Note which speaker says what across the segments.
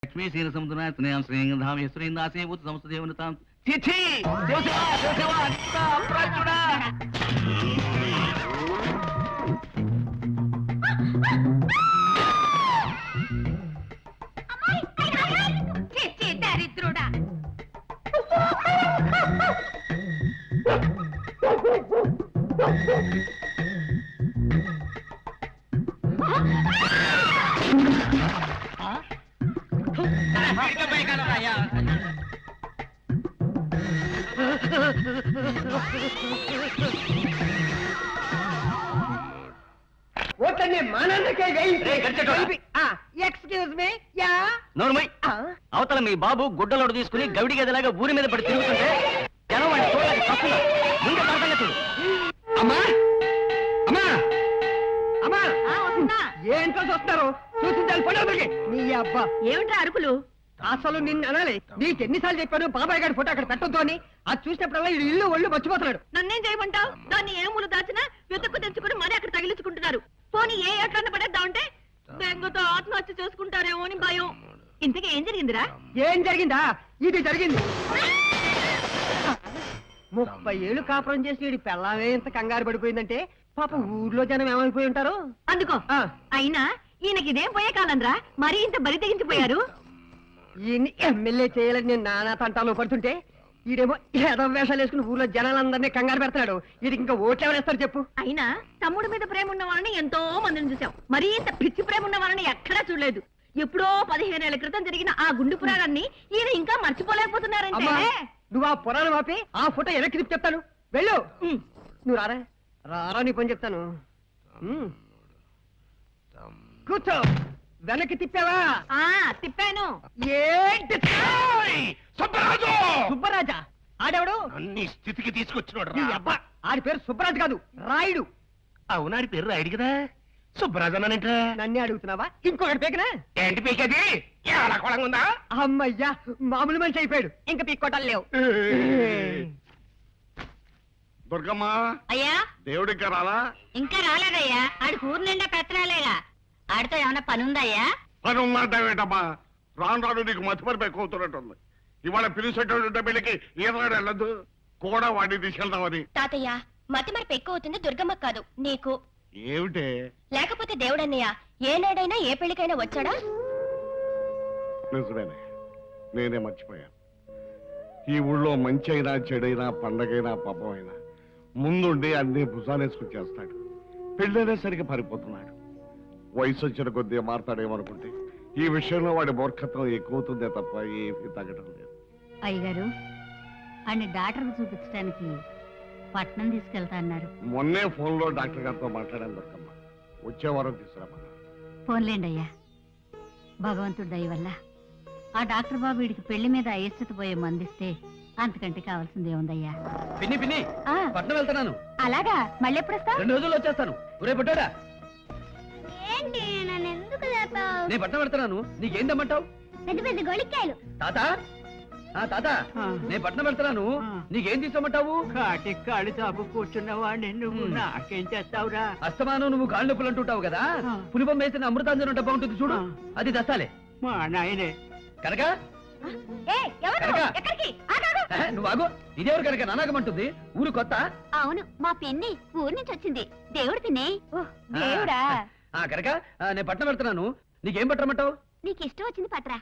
Speaker 1: లక్ష్మీ శ్రీన సముద్ర స్నేహం శ్రీంధామ శ్రీందాసే ఉత్ సంస్థదేవనతాం చిచి శివశివ శివశివ అంత అప్రాచుడా
Speaker 2: దరిద్రుడా
Speaker 3: ఓట్లన్నీ మానన్నకే ఎక్స్క్యూజ్ మీ యా
Speaker 1: నోర్మై అవతల మీ బాబు గుడ్డలోడు తీసుకుని గవిడి గదిలాగా ఊరి మీద పడి తిరుగుతుంటే జనం వాడిని చూడడానికి తప్పులా ముందు పడతాగా చూడు.
Speaker 3: అమ్మా అమ్మా అమ్మా ఏంటో చూస్తారు చూసించాలి పడవకి నీ అబ్బా
Speaker 2: ఏమిట్రా అరుకులు?
Speaker 3: అసలు నిన్ను అనాలి నీకు ఎన్నిసార్లు చెప్పాను బాబాయ్ గారి ఫోటో అక్కడ పెట్టొద్దు అని అది చూసినప్పుడల్లా ఈ ఇల్లు ఒళ్ళు మర్చిపోతున్నాడు.
Speaker 2: నన్నేం చేయమంటావు? దాన్ని ఏ మూలు దాచినా వెతుక్కు తెచ్చుకుని మరీ అక్కడ తగిలించుకుంటున్నారు. పోనీ ఏ ఎట్లన్న పడేద్దామంటే బెంగతో ఆత్మహత్య చేసుకుంటారేమో అని భయం. ఇంతకీ ఏం జరిగిందిరా?
Speaker 3: ఏం జరిగిందా? ఇది జరిగింది. 30 ఏళ్ళు కాపురం చేసి వీడి పెళ్ళామే ఇంత కంగారు పడిపోయిందంటే పాప ఊర్లో జనం ఏమైపోయి ఉంటారు.
Speaker 2: అందుకో అయినా ఈయనకి ఇదేం పోయే కాలంరా మరీ ఇంత బరి తెగించిపోయారు.
Speaker 3: ఈయన్ని ఎమ్మెల్యే చేయాలని నేను నానా తంటాలో పడుతుంటే ఈడేమో ఏదో వేషాలు వేసుకుని ఊర్లో జనాలందరినీ కంగారు పెడతాడు. వీడికి ఇంకా ఓట్లు ఎవరేస్తారు చెప్పు?
Speaker 2: అయినా తమ్ముడి మీద ప్రేమ ఉన్న వాళ్ళని ఎంతో మందిని చూసాం, మరీ ఇంత పిచ్చి ప్రేమ ఉన్న వాళ్ళని ఎక్కడా చూడలేదు. ఎప్పుడో 15 ఏళ్ల క్రితం జరిగిన ఆ గుండు పురాణాన్ని ఈయన ఇంకా మర్చిపోలేకపోతున్నారంటే.
Speaker 3: నువ్వు ఆ పురాణం ఆపి ఆ ఫోటో వెనక్కి తిప్పి చెప్తాను వెళ్ళు. నువ్వు రారా రారా నీ పని చెప్తాను. కూర్చో. వెనక్కి తిప్పావా?
Speaker 2: తిప్పాను.
Speaker 3: ఏంటి
Speaker 4: సుబ్బరాజు!
Speaker 3: సుబ్బరాజా? ఆడెవడు?
Speaker 4: అన్ని స్థితికి తీసుకొచ్చినాడు
Speaker 3: నీ అబ్బా ఆడి పేరు సుబ్బరాజు కాదు రాయుడు.
Speaker 4: అవునాడి పేరు రాయుడు కదా, సుబ్బరాజు అన్నానంట.
Speaker 3: నన్నే అడుగుతున్నావా? ఇంకొకటి పేకనా?
Speaker 4: ఏంటి పీకది? ఎలా కొలంగా ఉందా?
Speaker 3: అమ్మయ్యా మామూలు మనిషి అయిపోయాడు. ఇంకా పీక్కోటాలు లేవు.
Speaker 4: దుర్గమ్మ
Speaker 2: అయ్యా
Speaker 4: దేవుడికి రాలా?
Speaker 2: ఇంకా రాలేదయ్యా. ఆడి ఊరు నిండా పెత్తరాలేగా. ఆడితో ఏమైనా పని ఉందయ్యా?
Speaker 4: పని ఉందంటావేటమ్మా? రాను రాను నీకు మతిపరిపై కూతున్నట్టుంది. ఇవాళ పిలిచేటటువంటి పెళ్లికి ఈనాడు వెళ్ళదు కూడా వాడిని తీసుకెళ్దామని.
Speaker 5: తాతయ్య మతి మరపు ఎక్కువ అవుతుంది దుర్గమ్మ కాదు నీకు.
Speaker 4: ఏమిటే?
Speaker 5: లేకపోతే దేవుడన్నయ్య ఏనాడైనా ఏ పెళ్లికైనా వచ్చాడా?
Speaker 4: నిజమేనే, నేనే మర్చిపోయాను. ఈ ఊళ్ళో మంచి అయినా చెడైనా పండగైనా పబ్బమైనా ముందుండి అన్ని భుజాలేసుకుని చేస్తాడు. పెళ్ళైనా సరిగ్గా పారిపోతున్నాడు. వయసు వచ్చిన కొద్దీ మారతాడేమనుకుంటే ఈ విషయంలో వాడి మూర్ఖత్వం ఎక్కువవుతుందే తప్ప ఏమీ తగ్గడం లేదు.
Speaker 6: అయ్యగారు అన్ని డాక్టర్కి చూపించడానికి పట్నం తీసుకెళ్తా అన్నారు.
Speaker 4: మొన్నే ఫోన్లో డాక్టర్ గారితో మాట్లాడాను దుర్గమ్మ. వచ్చే వారం తీసుకురామన్నారు.
Speaker 6: ఫోన్లేండి అయ్యా, భగవంతుడి దయ వల్ల ఆ డాక్టర్ బాబు వీడికి పెళ్లి మీద అయిష్టత పోయే మందిస్తే అంతకంటే కావాల్సింది ఏముందయ్యా.
Speaker 1: పిన్ని పిన్ని పట్నం వెళ్తున్నాను.
Speaker 6: అలాగా? మళ్ళీ ఎప్పుడు వస్తా?
Speaker 1: 2 రోజుల్లో వచ్చేస్తాను. ఒరే పుట్టాడా,
Speaker 5: ఏంటి నన్ను ఎందుకు లేపావు?
Speaker 1: నేను పట్నం వెళ్తున్నాను. నీకేం తెమ్మంటావు?
Speaker 5: పెద్ద పెద్ద గొళిక్కాయలు.
Speaker 1: తాత తాత నేను పట్నం వెళ్తున్నాను. నీకేం తీసుకోమంటావు?
Speaker 3: కాటి కాడి తాపు కూర్చున్న వాడిని నువ్వు నాకేం చేస్తావురా?
Speaker 1: అస్తమానం నువ్వు కాళ్ళు నొప్పులు అంటుంటావు కదా, పులిపం వేసిన అమృతాంజనం డబ్బా ఉంటుంది చూడు, అది దస్తాలే.
Speaker 3: మా నాయనే
Speaker 1: కనుక నువ్వు ఆగు. ఇదేవరు కనుక నానాగమంటుంది? ఊరు కొత్త?
Speaker 5: అవును మా పిన్ని ఊరి నుంచి వచ్చింది. దేవుడు పిన్ని. దేవుడా?
Speaker 1: కనుక నేను పట్నం వెళ్తున్నాను. నీకేం పట్టమంటావు?
Speaker 5: నీకు ఇష్టం వచ్చింది పట్రా.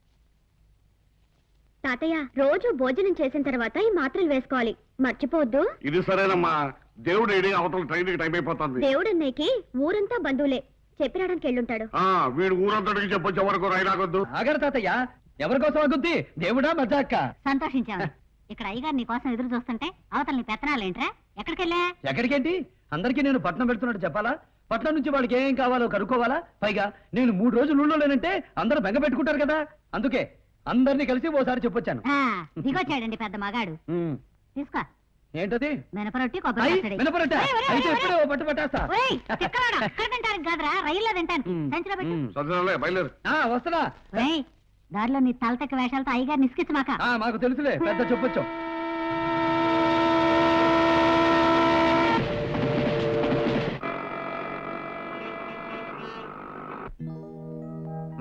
Speaker 5: తాతయ్య రోజు భోజనం చేసిన తర్వాత ఈ మాత్రలు వేసుకోవాలి, మర్చిపోవద్దు.
Speaker 4: ఇది సరేనమ్మా. దేవుడు ఏడి అవతల ట్రైన్కి టైం అయిపోతుంది.
Speaker 5: దేవుడు అన్నయ్యకి ఊరంతా బంధువులే, చెప్పిరాడానికి వెళ్ళుంటాడు.
Speaker 4: వీడు ఊరంతటికి చెప్పొచ్చే వరకు రైలాగొద్దు.
Speaker 1: ఆగరు తాతయ్య, ఎవరి కోసం ఆగుద్ది? దేవుడా మజా అక్క?
Speaker 6: సంతోషించాము. ఇక్కడ అయ్యగారు నీ కోసం ఎదురు చూస్తుంటే అవతల నీ పెత్తనాలేంట్రా? ఎక్కడికెళ్ళా?
Speaker 1: ఎక్కడికేంటి? అందరికీ నేను పట్నం పెడుతున్నట్టు చెప్పాలా? పట్నం నుంచి వాళ్ళకి ఏం కావాలో కనుక్కోవాలా? పైగా నేను 3 రోజులు ఊళ్ళో లేనంటే అందరూ బెంగ పెట్టుకుంటారు కదా, అందుకే అందరినీ కలిసి ఓసారి చెప్పొచ్చాను.
Speaker 6: దిగొచ్చాడండి పెద్ద మగాడు. తీసుకో.
Speaker 1: ఏంటది?
Speaker 6: మినపరొట్టి కొబ్బరి పచ్చడి.
Speaker 1: మినపరొట్ట? అయితే ఎప్పుడో పట్టు పట్టేస్తా.
Speaker 6: అక్కడ తింటానికి కాదురా, రైల్లో తింటాను. సంచిలో పెట్టు.
Speaker 4: బయలుదేరు.
Speaker 1: వస్తున్నా.
Speaker 6: దారిలో నీ తలతక్క వేషాలతో అయ్యగారు నిస్కించు మాక.
Speaker 1: మాకు తెలుసులే, పెద్ద చెప్పొచ్చు.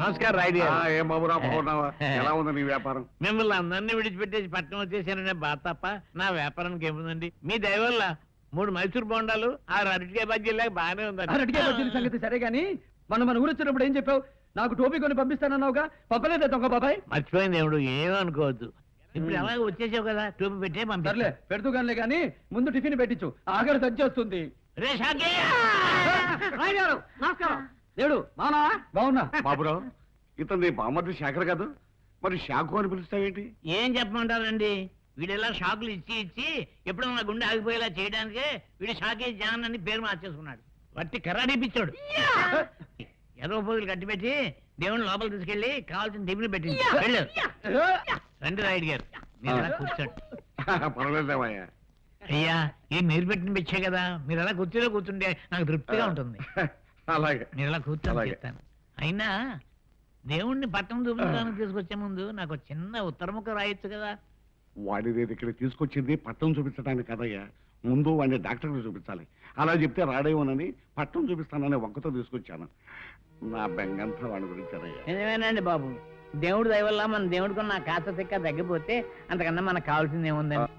Speaker 7: నమస్కారం రాయుడు గారు.
Speaker 4: ఏం బాబురా బాగున్నావా? ఎలా ఉంది నీ వ్యాపారం?
Speaker 7: మిమ్మల్ని అందరినీ విడిచిపెట్టేసి పట్టణం వచ్చేసాననే బాధ తప్ప నా వ్యాపారానికి ఏముందండి. మీ దయ వల్ల 3 మైసూర్ బొండాలు 6 అరటికాయ బజ్జీలాగా బాగానే ఉందండి.
Speaker 1: అరటికాయ బజ్జీల సంగతి సరే గాని మన ఊరు వచ్చినప్పుడు ఏం చెప్పావు? నాకు టోపీ కొని పంపిస్తానన్నావుగా, పంపలేదే దొంగ బాబాయ్?
Speaker 7: మర్చిపోయింది దేవుడు, ఏమనుకోవద్దు. ఇప్పుడు అలాగే వచ్చేసావు కదా, టూపి పెట్టే
Speaker 1: సర్లే
Speaker 7: పంపర్లే.
Speaker 1: పెడుతూ గానిలే గాని ముందు టిఫిన్ పెట్టించు, ఆఖరి తెచ్చేస్తుంది.
Speaker 7: రే షాకే!
Speaker 3: నమస్కారం.
Speaker 1: దేవుడు మానా బాగున్నా?
Speaker 4: బాబురావు, ఇతను నీ బామ్మర్ది శేఖర్ కాదు, మరి శాఖు అని పిలుస్తావేంటి?
Speaker 7: ఏం చెప్పమంటారండి, వీడెలా షాకులు ఇచ్చి ఇచ్చి ఎప్పుడో నా గుండె ఆగిపోయేలా చేయడానికే వీడు షాకే జాన్ అని పేరు మార్చేసుకున్నాడు. వట్టి కర్రాడిపిచ్చాడు. ఏదో పోగులు కట్టిపెట్టి దేవుని లోపల తీసుకెళ్లి కావాల్సిన టిఫిన్ పెట్టింది. వెళ్ళు. రండి రాయుడు గారు, మీరు అలా కూర్చోండి.
Speaker 4: పర్వాలేదేమయ్యా.
Speaker 7: అయ్యా, ఏం మీరు పెట్టిన పిచ్చే కదా, మీరు అలా కుర్చీలో కూర్చుంటే నాకు తృప్తిగా ఉంటుంది.
Speaker 4: అలాగే
Speaker 7: మీరు అలా కూర్చొని
Speaker 4: అలాగే.
Speaker 7: చెప్తాను. అయినా దేవుణ్ణి పట్టణం చూపించడానికి తీసుకొచ్చే ముందు నాకు ఒక చిన్న ఉత్తరముఖ రాయొచ్చు కదా.
Speaker 4: వాడి నేను ఇక్కడ తీసుకొచ్చింది పట్టణం చూపించడానికి కదయ్యా, ముందు వాడిని డాక్టర్కి చూపించాలి. అలా చెప్తే రాడేమోనని పట్టణం చూపిస్తానని వంకతో తీసుకొచ్చాను. నా బెంగంతా వాడి గురించానయ్యా.
Speaker 7: నిజమేనండి బాబు, దేవుడు దయ వల్ల మన దేవుడికి నా కాస్త తిక్క తగ్గిపోతే అంతకన్నా మనకు కావాల్సింది ఏముందని.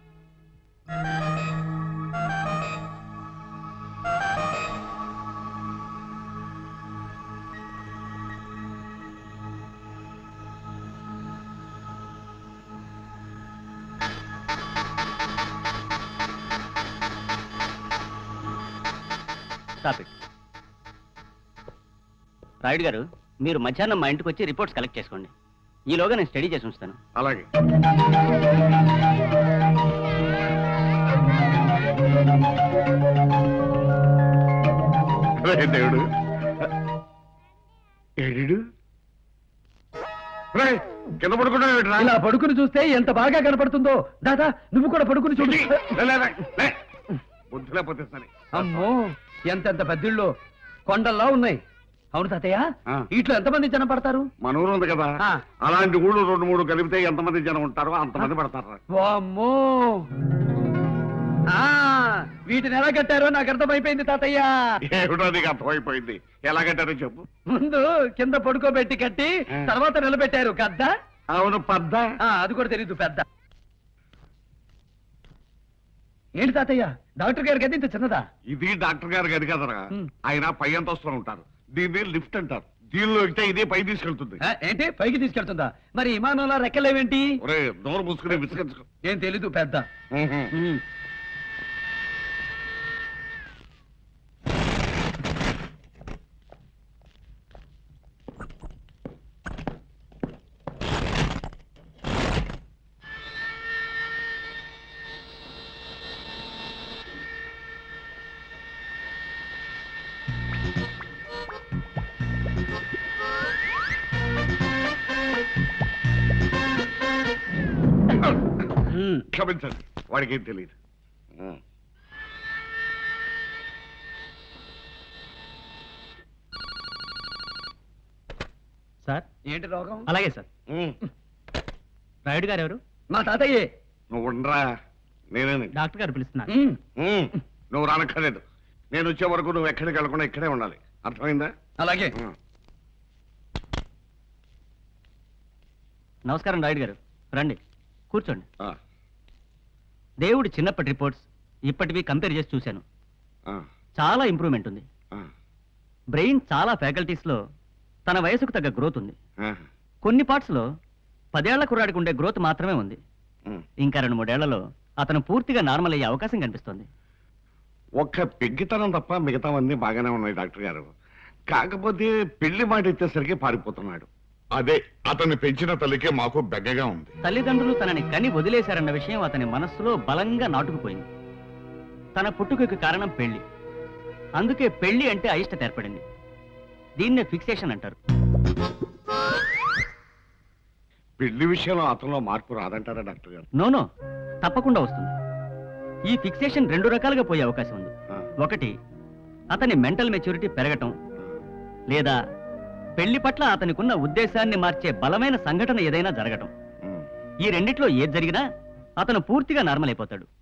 Speaker 8: రాయుడు గారు, మీరు మధ్యాహ్నం మా ఇంటికి వచ్చి రిపోర్ట్స్ కలెక్ట్ చేసుకోండి. ఈలోగా నేను స్టడీ చేసి ఉంచుతాను.
Speaker 4: అలాగే. రే దేవుడు, ఏడు కింద పడుకున్నావేంట్రా?
Speaker 1: ఇలా పడుకుని చూస్తే ఎంత బాగా కనపడుతుందో. దాదా నువ్వు కూడా పడుకుని చూడు.
Speaker 4: బుద్ధి లేకపోతే సరే.
Speaker 1: అమ్మో ఎంతెంత పెద్దిళ్ళు కొండల్లా ఉన్నాయి. అవును తాతయ్య,
Speaker 4: ఆ.
Speaker 1: ఇట్లా ఎంతమంది జనం పడతారు?
Speaker 4: మన ఊరు ఉంది కదా,
Speaker 1: ఆ.
Speaker 4: అలాంటి ఊళ్ళు 2-3 కలిపితే ఎంతమంది జనం ఉంటారో అంతమంది పడతారు.
Speaker 1: వామ్మో, ఆ, వీటిని ఎలా కట్టారో నాకు అర్థమైపోయింది తాతయ్య.
Speaker 4: ఏమిటో నీకు అర్థమైపోయింది. ఎలాగంటారో చెప్పు.
Speaker 1: ముందు కింద పడుకోబెట్టి కట్టి
Speaker 4: ఆ.
Speaker 1: తర్వాత నిలబెట్టారు కద్దా.
Speaker 4: అవును పద్ద.
Speaker 1: అది కూడా తెలీదు పెద్ద. ఏంటి తాతయ్య, డాక్టర్ గారి గది ఇంత చిన్నదా?
Speaker 4: ఇది డాక్టర్ గారు గది కదరా,
Speaker 1: ఉమ్.
Speaker 4: ఆయన పై అంతస్తులో ఉంటారు. దీన్ని లిఫ్ట్ అంటారు. దీనిలో ఎక్కితే ఇదే పై తీసుకెళ్తుంది.
Speaker 1: ఏంటి పైకి తీసుకెళ్తుందా? మరి విమానంలో రెక్కలేవేంటి?
Speaker 4: ఒరే నోరు మూసుకునే విసిగించుకో.
Speaker 1: ఏం తెలీదు పెద్ద. ఉమ్.
Speaker 4: క్షమించండి, వాడికి ఏం తెలియదు.
Speaker 8: సార్,
Speaker 1: ఏంటి రోగం?
Speaker 8: అలాగే సార్. రాయుడు గారు ఎవరు?
Speaker 1: మా తాతయ్యే.
Speaker 4: నువ్వు ఉండరా, నేనే.
Speaker 8: డాక్టర్ గారు పిలుస్తున్నారు.
Speaker 4: నువ్వు రానక్కర్లేదు. నేను వచ్చే వరకు నువ్వు ఎక్కడికి వెళ్ళకుండా ఇక్కడే ఉండాలి. అర్థమైందా?
Speaker 1: అలాగే.
Speaker 8: నమస్కారం రాయుడు గారు, రండి కూర్చోండి.
Speaker 4: ఆ,
Speaker 8: దేవుడి చిన్నప్పటి రిపోర్ట్స్ ఇప్పటివి కంపేర్ చేసి చూశాను.
Speaker 4: ఆ,
Speaker 8: చాలా ఇంప్రూవ్మెంట్ ఉంది.
Speaker 4: ఆ,
Speaker 8: బ్రెయిన్ చాలా ఫ్యాకల్టీస్ లో తన వయసుకు తగ్గ గ్రోత్ ఉంది.
Speaker 4: ఆ,
Speaker 8: కొన్ని పార్ట్స్ లో 10 ఏళ్ల కుర్రాడికి ఉండే గ్రోత్ మాత్రమే ఉంది.
Speaker 4: ఉమ్.
Speaker 8: ఇంకా 2-3 ఏళ్లలో అతను పూర్తిగా నార్మల్ అయ్యే అవకాశం కనిపిస్తోంది.
Speaker 4: ఒక్క పెగ్గితనం తప్ప మిగతావన్నీ బాగానే ఉన్నాయి డాక్టర్ గారు. కాకపోతే పెళ్లి మాట ఎత్తేసరికి పారిపోతున్నాడు.
Speaker 9: అదే అతన్ని పెంచిన తల్లికే మాకు బెగ్గగా ఉంది.
Speaker 8: తల్లిదండ్రులు తనని కని వదిలేశారన్న విషయం అతని మనస్సులో బలంగా నాటుకుపోయింది. తన పుట్టుకకు కారణం పెళ్లి. అందుకే పెళ్లి అంటే అయిష్టత ఏర్పడింది. దీన్నే ఫిక్సేషన్ అంటారు.
Speaker 4: పెళ్లి విషయంలో అతనిలో మార్పు రాదంటారా డాక్టర్ గారు?
Speaker 8: నోనో, తప్పకుండా వస్తుంది. ఈ ఫిక్సేషన్ 2 రకాలుగా పోయే అవకాశం ఉంది.
Speaker 4: ఆ,
Speaker 8: ఒకటి, అతని మెంటల్ మెచ్యూరిటీ పెరగటం, లేదా పెళ్లి పట్ల అతనికున్న ఉద్దేశాన్ని మార్చే బలమైన సంఘటన ఏదైనా జరగటం.
Speaker 4: ఉమ్.
Speaker 8: ఈ రెండిట్లో ఏది జరిగినా అతను పూర్తిగా నార్మల్ అయిపోతాడు.